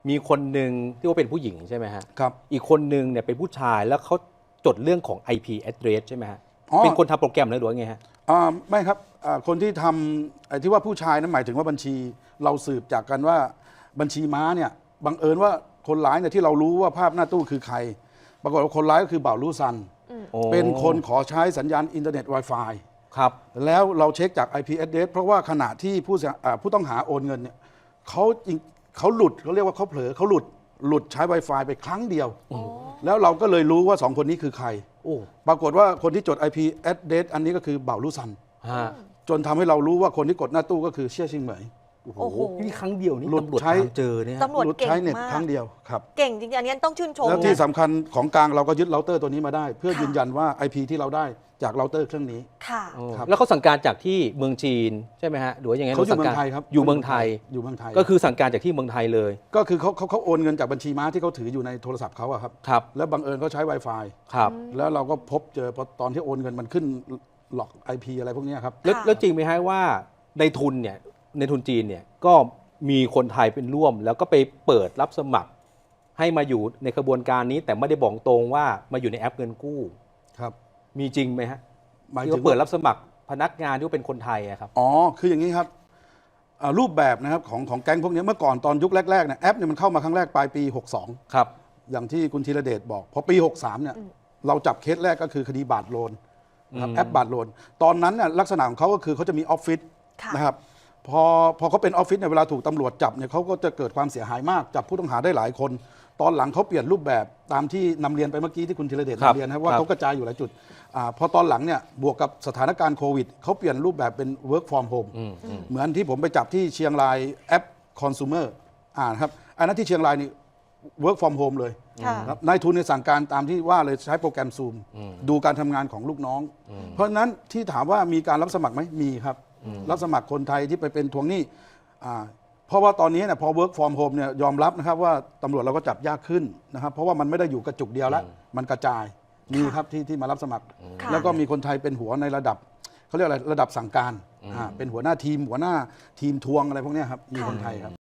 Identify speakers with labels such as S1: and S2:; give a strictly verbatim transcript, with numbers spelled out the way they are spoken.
S1: มีคนหนึ่งที่ว่าเป็นผู้หญิงใช่ไหมฮะ
S2: ครับ
S1: อีกคนหนึ่งเนี่ยเป็นผู้ชายแล้วเขาจดเรื่องของ ไอ พี address ใช่ไหมฮะ
S2: อ๋อ
S1: เป็นคนทำโปรแกรมหรือว่าไงฮะ
S2: อ่าไม่ครับอ่าคนที่ทำไอ้ที่ว่าผู้ชายนั้นหมายถึงว่าบัญชีเราสืบจากกันว่าบัญชีม้าเนี่ยบังเอิญว่าคนร้ายเนี่ยที่เรารู้ว่าภาพหน้าตู้คือใคร ปรากฏว่าคนร้ายก็คือบ่าวลู่ซัน เป็นคนขอใช้สัญญาณอินเทอร์เน็ต Wi-Fi
S1: ครับ
S2: แล้วเราเช็คจาก ไอ พี address เพราะว่าขณะที่ผู้เสียอ่าผู้ต้องหาโอนเงินเนี่ยเขาจริงเขาหลุดเขาเรียกว่าเขาเผลอเขาหลุดหลุดใช้ Wi-Fi ไปครั้งเดียว แล้วเราก็เลยรู้ว่าสองคนนี้คือใคร
S1: โอ้
S2: ปรากฏว่าคนที่จด ไอ พี address อันนี้ก็คือบ่าวลู่ซัน
S1: ฮะ
S2: จนทำให้เรารู้ว่าคนที่กดหน้าตู้ก็คือเชี่ยชิงเหมย
S1: โอ้โห
S3: โอ้โห
S1: นี่ครั้งเดียวนี่
S2: หลุด
S1: ตำรวจ
S2: ใช้
S1: ตามเจอเนี่ย
S3: ตำรวจ
S2: หลุด
S3: เก่ง
S2: ใช้เน็ต
S3: มาก
S2: ครั้งเดียวครับ
S3: เก่งจริงๆอันนี้ต้องชื่นชม
S2: แล้วที่
S3: นะ
S2: สำคัญของกลางเราก็ยึดเราเตอร์ตัวนี้มาได้ เพื่อ
S3: ค่ะ
S2: ยืนยันว่า ไอ พี ที่เราได้จากเราเตอร์เครื่องนี้
S3: ค่ะ
S1: โอ้
S2: ครับ
S1: แล้วเขาสั่งการจากที่เมืองจีนใช่ไหมฮะหรือว่ายังไง
S2: เขาอยู่
S1: สั่
S2: เมือง
S1: ก
S2: ไทยครับ
S1: อยู่เมืองไทย
S2: อยู่เมืองไทย
S1: ก็คือสั่งการจากที่เมืองไทยเลย
S2: ก็คือเขาเขาเขาโอนเงินจากบัญชีม้าที่เขาถืออยู่ในโทรศัพท์เขาอะครับ
S1: ครับ
S2: แล้วบังเอิญเขาใช้ Wi-Fi
S1: ครับ
S2: แล้วเราก็พบเจอพอตอนที่โอนเงินมันขึ้นหลอก ไอ พี อะไรพวกเนี้ยครับ
S1: แล้ว
S3: ค่ะ
S1: แล้วจริงไหมฮะว่าในทุนเนี่ยในทุนจีนเนี่ยก็มีคนไทยเป็นร่วม แล้วก็ไปเปิดรับสมัคร ให้มาอยู่ในกระบวนการนี้ แต่ไม่ได้บอกตรงว่ามาอยู่ในแอปเงินกู้
S2: ครับ
S1: มีจริงไหมฮะ
S2: หมาย
S1: ที่
S2: ถึ
S1: ว่าง เปิดรับสมัครพนักงานที่ว่าเป็นคนไทยอะครับ
S2: อ๋อคืออย่างนี้ครับอ่ารูปแบบนะครับของของแก๊งพวกเนี้ยเมื่อก่อนตอนยุคแรกๆเนี่ยแอปเนี่ยมันเข้ามาครั้งแรกปลายปีหกสอง
S1: ครับ
S2: อย่างที่คุณธีรเดชบอกพอปีหกสามเนี่ยเราจับเคสแรกก็คือคดีบาทโลนนะครับ
S1: อืม
S2: แอปบาทโลนตอนนั้นเนี่ยลักษณะของเขาก็คือเขาจะมีออฟฟิศ
S3: ค่ะ
S2: นะครับพอพอเขาเป็นออฟฟิศเนี่ยเวลาถูกตำรวจจับเนี่ยเขาก็จะเกิดความเสียหายมากจับผู้ต้องหาได้หลายคน ตอนหลังเขาเปลี่ยนรูปแบบตามที่นำเรียนไปเมื่อกี้ที่คุณธีรเดช
S1: ครับ
S2: นำเรียนนะครับว่า
S1: ครับ
S2: เขากระจายอยู่หลายจุดอาพอตอนหลังเนี่ยบวกกับสถานการณ์โควิดเขาเปลี่ยนรูปแบบเป็น work from home
S1: อืมอืม
S2: เหมือนที่ผมไปจับที่เชียงรายแอป consumer อ่านะครับอันนั้นที่เชียงรายนี่ work from home เลย
S3: ค่ะ
S2: ครับนายทุนในยสั่งการตามที่ว่าเลยใช้โปรแกรม Zoom ดูการทำงานของลูกน้อง เพราะฉะนั้นที่ถามว่ามีการรับสมัครไหมมีครับ รับสมัครคนไทยที่ไปเป็นทวงหนี้อ่าเพราะว่าตอนนี้เนี่ยพอ work from home เนี่ยยอมรับนะครับว่าตำรวจเราก็จับยากขึ้นนะครับเพราะว่ามันไม่ได้อยู่กระจุกเดียวแล้ว มันกระจายมีครับที่ที่มารับสมัคร
S3: ค่ะ
S2: แล้วก็มีคนไทยเป็นหัวในระดับเขาเรียกอะไรระดับสั่งการอ่าเป็นหัวหน้าทีม หัวหน้าทีมทวงอะไรพวกเนี้ยครับมีคนไทยครับ